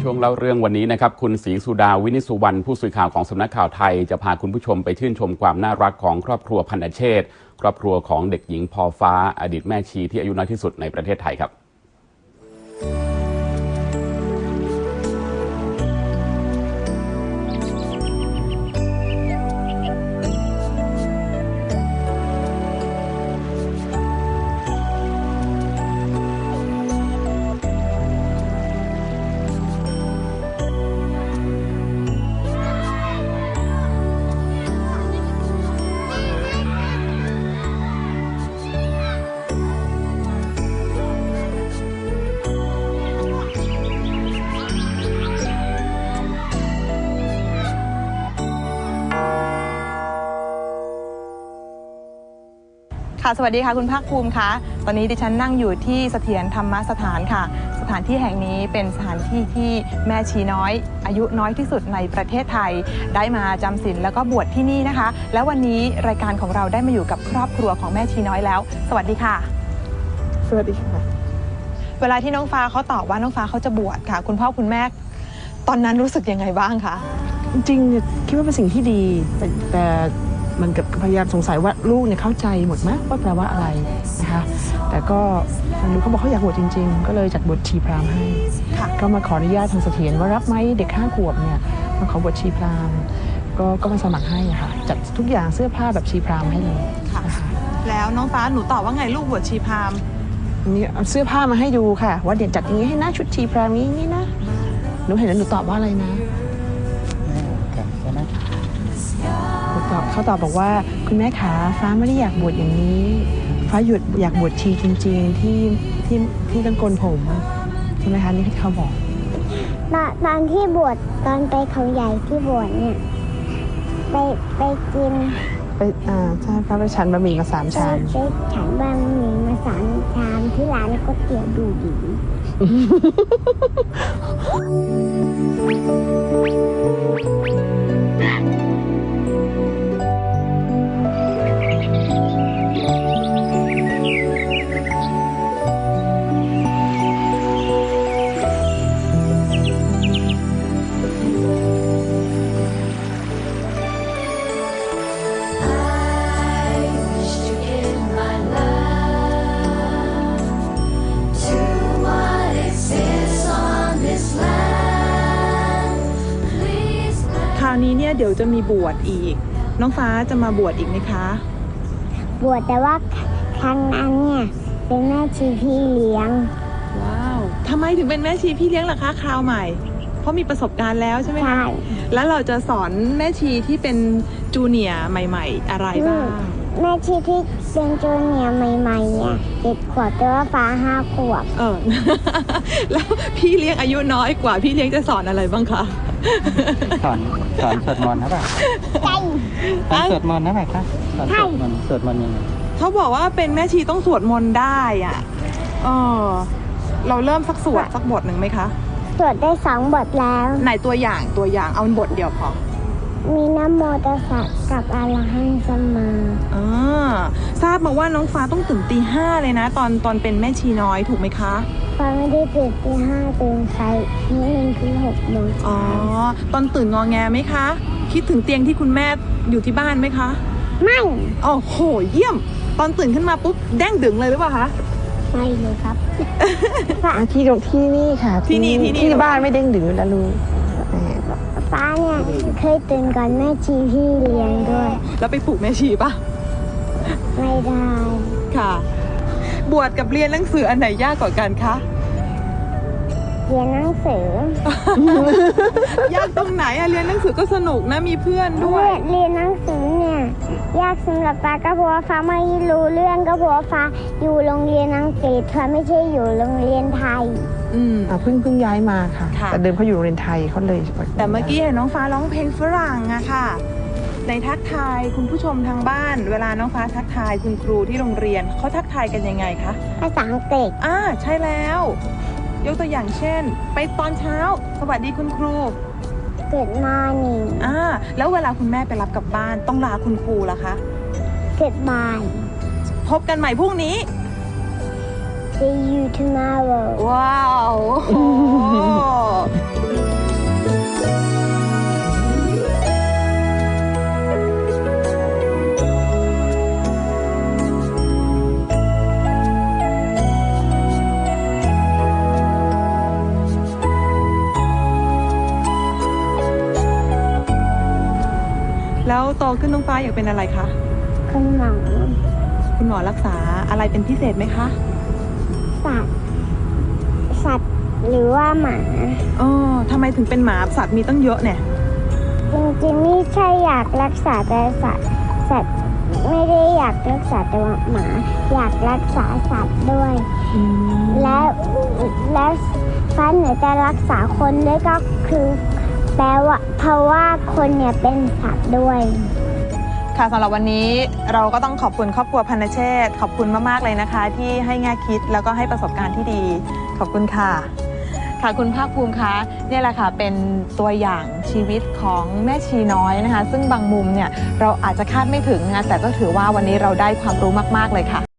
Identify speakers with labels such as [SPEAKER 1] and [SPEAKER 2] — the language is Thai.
[SPEAKER 1] ช่วงเล่าเรื่องวันนี้นะครับคุณศรีสุดาวินิสุวรรณผู้สื่อข่าวของสำนักข่าวไทยจะพาคุณผู้ชมไปชื่นชมความน่ารักของครอบครัวพันธเชษฐ์ครอบครัวของเด็กหญิงพอฟ้าอดีตแม่ชีที่อายุน้อยที่สุดในประเทศไทยครับ
[SPEAKER 2] สวัสดีค่ะคุณภาคภูมิคะตอนนี้ดิฉันนั่งอยู่ที่เสถียรธรรมสถานค่ะสถานที่แห่งนี้เป็นสถานที่ที่แม่ชีน้อยอายุน้อยที่สุดในประเทศไทยได้มาจำศีลแล้วก็บวชที่นี่นะคะแล้ววันนี้รายการของเราได้มาอยู่กับครอบครัวของแม่ชีน้อยแล้วสวัสดีค่ะ
[SPEAKER 3] สวัสดีค่ะ
[SPEAKER 2] เวลาที่น้องฟ้าเขาตอบว่าน้องฟ้าเขาจะบวชค่ะคุณพ่อคุณแม่ตอนนั้นรู้สึกยังไงบ้างคะ
[SPEAKER 3] จริงๆคิดว่าเป็นสิ่งที่ดีแต่มันกับพยายามสงสัยว่าลูกเนี่ยเข้าใจหมดไหมว่าแปลว่าอะไรนะคะแต่ก็มันรู้เขาบอกเขาอยากบวชจริงๆก็เลยจัดบวชชีพราหมณ์ให้ก็มาขออนุญาตทางเสถียรว่ารับไหมเด็ก5 ขวบเนี่ยมาขอบวชชีพราหมณ์ก็มาสมัครให้ค่ะจัดทุกอย่างเสื้อผ้าแบบชีพราหมณ์ให้เลย
[SPEAKER 2] นะคะแล้วน้องฟ้าหนูตอบว่าไงลูกบวชชีพราหมณ์
[SPEAKER 3] นี่เอาเสื้อผ้ามาให้ดูค่ะว่าเดี๋ยวจัดอย่างนี้ให้นะชุดชีพราหมณ์นี้นะหนูเห็นแล้วหนูตอบว่าอะไรนะเขาตอบบอกว่าคุณแม่ขาฟ้าไม่ได้อยากบวชอย่างนี้ฟ้าอยากบวชชีจริงๆที่ต้องโกนผมใช่ไหมคะนี่ที่เขาบอก
[SPEAKER 4] ตอนที่บวชตอนไปเขาใหญ่ที่บวชเนี่ยไปกิน
[SPEAKER 3] ใช่ฟ้าไปฉันบะหมี่มา3 ชาม
[SPEAKER 4] ไปฉันบะหมี่มา3 ชามที่ร้านก๋วยเตี๋ยวดูดี
[SPEAKER 2] นี้เนี่ยเดี๋ยวจะมีบวชอีกน้องฟ้าจะมาบวชอีกไหมคะ
[SPEAKER 4] บวชแต่ว่าครั้งนั้นเนี่ยเป็นแม่ชีพี่เลี้ยง
[SPEAKER 2] ว้าวทำไมถึงเป็นแม่ชีพี่เลี้ยงล่ะคะคราวใหม่เพราะมีประสบการณ์แล้วใช่ไหมคะ
[SPEAKER 4] ใช่
[SPEAKER 2] แล้วเราจะสอนแม่ชีที่เป็นจูเนียร์ใหม่ๆอะไรบ้าง
[SPEAKER 4] แม่ชีที่เป็นจูเนียร์ใหม่ๆเนี่ย7 ขวบแต่ว่าฟ้า5 ขวบ
[SPEAKER 2] แล้วพี่เลี้ยงอายุน้อยกว่าพี่เลี้ยงจะสอนอะไรบ้างคะ
[SPEAKER 5] สอนสวดมนต์นะป่ะสอนสวดมนต์นะป่ะคะสอนสวดมนต์ยังไง
[SPEAKER 2] เขาบอกว่าเป็นแม่ชีต้องสวดมนต์ได้อ่ะเราเริ่มสักสวดสักบทหนึ่งไหมคะ
[SPEAKER 4] สวดได้2 บทแล้ว
[SPEAKER 2] ไหนตัวอย่างเอาบทเดียวพอ
[SPEAKER 4] มีนะโมตัสสะกับอะระหังสัมมา
[SPEAKER 2] ทราบมาว่าน้องฟ้าต้องตื่นตี 5เลยนะตอนเป็นแม่ชีน้อยถูกไหมคะ
[SPEAKER 4] ฟ้าไม่ได้ตื่นตี 5ตื่นสายนิดนึงคือ6 โมง
[SPEAKER 2] ตอนตื่นงอแงไหมคะคิดถึงเตียงที่คุณแม่อยู่ที่บ้านไหมคะ
[SPEAKER 4] ไม่
[SPEAKER 2] โอ้โหเยี่ยมตอนตื่นขึ้นมาปุ๊บแด้งดึงเลยหรือเปล่าคะ
[SPEAKER 4] ไม่เลยครับ
[SPEAKER 3] ที่นี่ค่ะที่บ้านไม่เด้งดึงแล้วลูก
[SPEAKER 4] ฟ้าเนี่ยเคยตื่นก่อนแม่ชีพี่เลี้ยงด้วย
[SPEAKER 2] แล้วไปปลุกแม่ชีปะ
[SPEAKER 4] ไม่ได้
[SPEAKER 2] ค่ะบวชกับเรียนหนังสืออันไหนยากกว่ากันคะ
[SPEAKER 4] เรียนหนังสื
[SPEAKER 2] อยากตรงไหนอะเรียนหนังสือก็สนุกนะมีเพื่อนด้วย
[SPEAKER 4] เรียนหนังสือเนี่ยยากสำหรับฟ้าก็เพราะว่าฟ้าไม่รู้เรื่องก็เพราะว่าฟ้าอยู่โรงเรียนอังกฤษฟ้าไม่ใช่อยู่โรงเรียนไทย
[SPEAKER 3] เพิ่งย้ายมาค่ะแต่เดิมเขาอยู่โรงเรียนไทยเขาเลย
[SPEAKER 2] แต่เมื่อกี้เห็นน้องฟ้าร้องเพลงฝรั่งอะค่ะในทักทายคุณผู้ชมทางบ้านเวลาน้องฟ้าทักทายคุณครูที่โรงเรียนเขาทักทายกันยังไงคะ
[SPEAKER 4] ภาษาอังกฤษ
[SPEAKER 2] ใช่แล้วยกตัวอย่างเช่นไปตอนเช้าสวัสดีคุณครู
[SPEAKER 4] Good morning
[SPEAKER 2] แล้วเวลาคุณแม่ไปรับกลับบ้านต้องลาคุณครูล่ะคะ
[SPEAKER 4] Goodbye
[SPEAKER 2] พบกันใหม่พรุ่งนี้
[SPEAKER 4] See you tomorrow
[SPEAKER 2] ว้าวโตขึ้นน้องฟ้าอยากเป็นอะไรคะ
[SPEAKER 4] คุณหมอ
[SPEAKER 2] คุณหมอรักษาอะไรเป็นพิเศษไหมคะ
[SPEAKER 4] สัตว์หรือว่าหมา
[SPEAKER 2] อ๋อทำไมถึงเป็นหมาสัตว์มีตั้งเยอะเนี่ย
[SPEAKER 4] จริงๆไม่ใช่อยากรักษาแต่สัตว์ไม่ได้อยากรักษาแต่ว่าหมาอยากรักษาสัตว์ด้วย แล้วฟ้าหนูจะรักษาคนด้วยก็คือแปลว่าเพราะว่าคนเนี่ยเป็นสัตว์ด้วย
[SPEAKER 2] ค่ะสำหรับวันนี้เราก็ต้องขอบคุณครอบครัวพันธเชษฐ์ขอบคุณมากๆเลยนะคะ ที่ให้แง่คิดแล้วก็ให้ประสบการณ์ที่ดีขอบคุณค่ะค่ะคุณภาคภูมิคะเนี่ยแหละค่ะเป็นตัวอย่างชีวิตของแม่ชีน้อยนะคะ ซึ่งบางมุมเนี่ยเราอาจจะคาดไม่ถึงนะคะแต่ก็ถือว่าวันนี้เราได้ความรู้มากๆเลยค่ะ